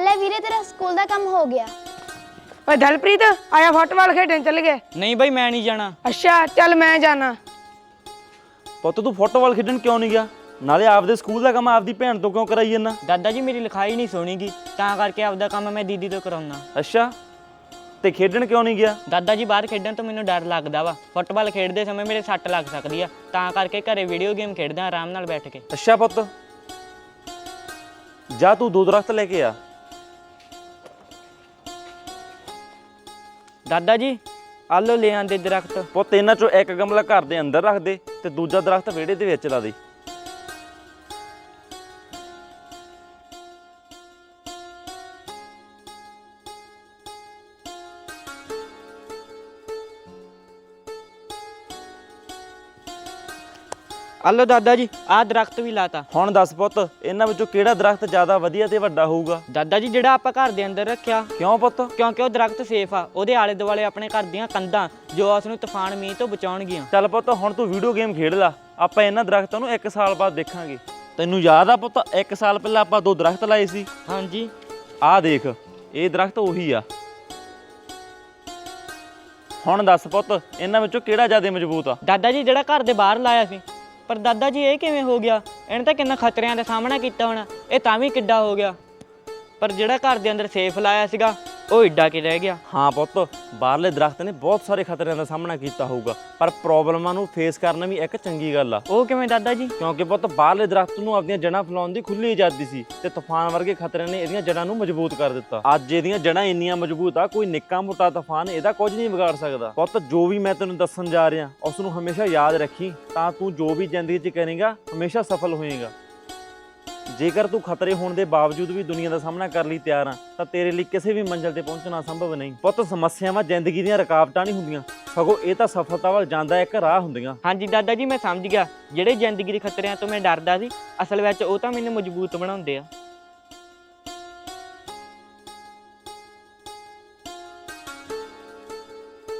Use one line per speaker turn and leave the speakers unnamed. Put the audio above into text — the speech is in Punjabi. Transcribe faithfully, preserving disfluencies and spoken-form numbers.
ਲੈ ਵੀਰੇ ਤੇਰਾ ਸਕੂਲ ਦਾ ਕੰਮ ਹੋ ਗਿਆ।
ਓਏ ਦਲਪ੍ਰੀਤ ਆਇਆ ਫੁੱਟਬਾਲ ਖੇਡਣ ਚੱਲ ਗਏ।
ਨਹੀਂ ਬਾਈ ਮੈਂ ਨਹੀਂ ਜਾਣਾ।
ਅੱਛਾ ਚੱਲ ਮੈਂ ਜਾਣਾ।
ਪੁੱਤ ਤੂੰ ਫੁੱਟਬਾਲ ਖੇਡਣ ਕਿਉਂ ਨਹੀਂ ਗਿਆ? ਨਾਲੇ ਆਪਦੇ ਸਕੂਲ ਦਾ ਕੰਮ ਆਪਦੀ ਭੈਣ ਤੋਂ ਕਿਉਂ ਕਰਾਈ ਜਾਂਦਾ?
ਦਾਦਾ ਜੀ ਮੇਰੀ ਲਿਖਾਈ ਨਹੀਂ ਸੁਣੀਗੀ ਤਾਂ ਕਰਕੇ ਆਪਦਾ ਕੰਮ ਮੈਂ ਦੀਦੀ ਤੋਂ ਕਰਾਉਣਾ।
ਅੱਛਾ ਤੇ ਖੇਡਣ ਕਿਉਂ ਨਹੀਂ ਗਿਆ?
ਦਾਦਾ ਜੀ ਬਾਹਰ ਖੇਡਣ ਤੋਂ ਮੈਨੂੰ ਡਰ ਲੱਗਦਾ ਵਾ। ਫੁੱਟਬਾਲ ਖੇਡਦੇ ਸਮੇਂ ਮੇਰੇ ਸੱਟ ਲੱਗ ਸਕਦੀ ਆ ਤਾਂ ਕਰਕੇ ਘਰੇ ਵੀਡੀਓ ਗੇਮ ਖੇਡਦਾ ਆਰਾਮ ਨਾਲ ਬੈਠ ਕੇ।
ਅੱਛਾ ਪੁੱਤ ਜਾ ਤੂੰ ਦੋ ਦਰਖਤ ਲੈ ਕੇ ਆ।
ਦਾਦਾ ਜੀ ਆ ਲਓ ਲੈ ਆਂਦੇ ਦਰਖਤ।
ਪੁੱਤ ਇਹਨਾਂ ਚੋਂ ਇੱਕ ਗਮਲਾ ਘਰ ਦੇ ਅੰਦਰ ਰੱਖ ਦੇ ਤੇ ਦੂਜਾ ਦਰਖਤ ਵਿਹੜੇ ਦੇ ਵਿੱਚ ਲਾ ਦੇ।
ਆ ਲਓ ਦਾਦਾ ਜੀ ਆਹ ਦਰਖਤ ਵੀ ਲਾਤਾ।
ਹੁਣ ਦੱਸ ਪੁੱਤ ਇਹਨਾਂ ਵਿੱਚੋਂ ਕਿਹੜਾ ਦਰਖਤ ਜ਼ਿਆਦਾ ਵਧੀਆ ਤੇ ਵੱਡਾ ਹੋਊਗਾ?
ਦਾਦਾ ਜੀ ਜਿਹੜਾ ਆਪਾਂ ਘਰ ਦੇ ਅੰਦਰ ਰੱਖਿਆ,
ਕਿਉਂ ਪੁੱਤ?
ਕਿਉਂਕਿ ਉਹ ਦਰਖਤ ਸੇਫ ਆ। ਉਹਦੇ ਆਲੇ ਦੁਆਲੇ ਆਪਣੇ ਘਰ ਦੀਆਂ ਕੰਧਾਂ ਜੋ ਉਸ ਨੂੰ ਤੂਫਾਨ ਮੀਂਹ ਤੋਂ ਬਚਾਉਣਗੀਆਂ।
ਚੱਲ ਪੁੱਤ ਹੁਣ ਤੂੰ ਵੀਡੀਓ ਗੇਮ ਖੇਡ ਲਾ, ਆਪਾਂ ਇਹਨਾਂ ਦਰਖਤਾਂ ਨੂੰ ਇੱਕ ਸਾਲ ਬਾਅਦ ਦੇਖਾਂਗੇ। ਤੈਨੂੰ ਯਾਦ ਆ ਪੁੱਤ ਇੱਕ ਸਾਲ ਪਹਿਲਾਂ ਆਪਾਂ ਦੋ ਦਰਖਤ ਲਾਏ ਸੀ?
ਹਾਂਜੀ
ਆਹ ਦੇਖ ਇਹ ਦਰਖਤ ਉਹੀ ਆ। ਹੁਣ ਦੱਸ ਪੁੱਤ ਇਹਨਾਂ ਵਿੱਚੋਂ ਕਿਹੜਾ ਜ਼ਿਆਦਾ ਮਜ਼ਬੂਤ ਆ?
ਦਾਦਾ ਜੀ ਜਿਹੜਾ ਘਰ ਦੇ ਬਾਹਰ ਲਾਇਆ ਸੀ। ਪਰ ਦਾਦਾ ਜੀ ਇਹ ਕਿਵੇਂ ਹੋ ਗਿਆ? ਇਹਨੇ ਤਾਂ ਕਿੰਨਾ ਖਤਰਿਆਂ ਦਾ ਸਾਹਮਣਾ ਕੀਤਾ ਹੋਣਾ, ਇਹ ਤਾਂ ਵੀ ਕਿੱਡਾ ਹੋ ਗਿਆ। ਪਰ ਜਿਹੜਾ ਘਰ ਦੇ ਅੰਦਰ ਸੇਫ ਲਾਇਆ ਸੀਗਾ ਉਹ ਏਡਾ ਕਿ ਰਹਿ ਗਿਆ।
ਹਾਂ ਪੁੱਤ ਬਾਹਰਲੇ ਦਰਖਤ ਨੇ ਬਹੁਤ ਸਾਰੇ ਖਤਰਿਆਂ ਦਾ ਸਾਹਮਣਾ ਕੀਤਾ ਹੋਊਗਾ ਪਰ ਪ੍ਰੋਬਲਮਾਂ ਨੂੰ ਫੇਸ ਕਰਨਾ ਵੀ ਇੱਕ ਚੰਗੀ ਗੱਲ ਆ।
ਉਹ ਕਿਵੇਂ ਦਾਦਾ ਜੀ?
ਕਿਉਂਕਿ ਪੁੱਤ ਬਾਹਰਲੇ ਦਰਖਤ ਨੂੰ ਆਪਣੀਆਂ ਜੜ੍ਹਾਂ ਫੈਲਾਉਣ ਦੀ ਖੁੱਲੀ ਆਜ਼ਾਦੀ ਸੀ ਤੇ ਤੂਫਾਨ ਵਰਗੇ ਖਤਰਿਆਂ ਨੇ ਇਹਦੀਆਂ ਜੜ੍ਹਾਂ ਨੂੰ ਮਜ਼ਬੂਤ ਕਰ ਦਿੱਤਾ। ਅੱਜ ਇਹਦੀਆਂ ਜੜ੍ਹਾਂ ਇੰਨੀਆਂ ਮਜ਼ਬੂਤ ਆ ਕੋਈ ਨਿੱਕਾ ਮੋਟਾ ਤੂਫਾਨ ਇਹਦਾ ਕੁਝ ਨਹੀਂ ਵਿਗਾੜ ਸਕਦਾ। ਪੁੱਤ ਜੋ ਵੀ ਮੈਂ ਤੈਨੂੰ ਦੱਸਣ ਜਾ ਰਿਹਾ ਉਸ ਨੂੰ ਹਮੇਸ਼ਾ ਯਾਦ ਰੱਖੀ ਤਾਂ ਤੂੰ ਜੋ ਵੀ ਜ਼ਿੰਦਗੀ 'ਚ ਕਰੇਗਾ ਹਮੇਸ਼ਾ ਸਫਲ ਹੋਏਗਾ। ਜੇਕਰ ਤੂੰ ਖਤਰੇ ਹੋਣ ਦੇ ਬਾਵਜੂਦ ਵੀ ਦੁਨੀਆ ਦਾ ਸਾਹਮਣਾ ਕਰਨ ਲਈ ਤਿਆਰ ਆ ਤਾਂ ਤੇਰੇ ਲਈ ਕਿਸੇ ਵੀ ਮੰਜ਼ਿਲ ਤੇ ਪਹੁੰਚਣਾ ਸੰਭਵ ਨਹੀਂ। ਪੁੱਤ ਸਮੱਸਿਆਵਾਂ ਜ਼ਿੰਦਗੀ ਦੀਆਂ ਰੁਕਾਵਟਾਂ ਨਹੀਂ ਹੁੰਦੀਆਂ, ਸਗੋਂ ਇਹ ਤਾਂ ਸਫਲਤਾ ਵੱਲ ਜਾਂਦਾ ਇੱਕ ਰਾਹ ਹੁੰਦੀਆਂ।
ਹਾਂਜੀ ਦਾਦਾ ਜੀ ਮੈਂ ਸਮਝ ਗਿਆ। ਜਿਹੜੇ ਜ਼ਿੰਦਗੀ ਦੇ ਖਤਰਿਆਂ ਤੋਂ ਮੈਂ ਡਰਦਾ ਸੀ ਅਸਲ ਵਿੱਚ ਉਹ ਤਾਂ ਮੈਨੂੰ ਮਜ਼ਬੂਤ ਬਣਾਉਂਦੇ ਆ।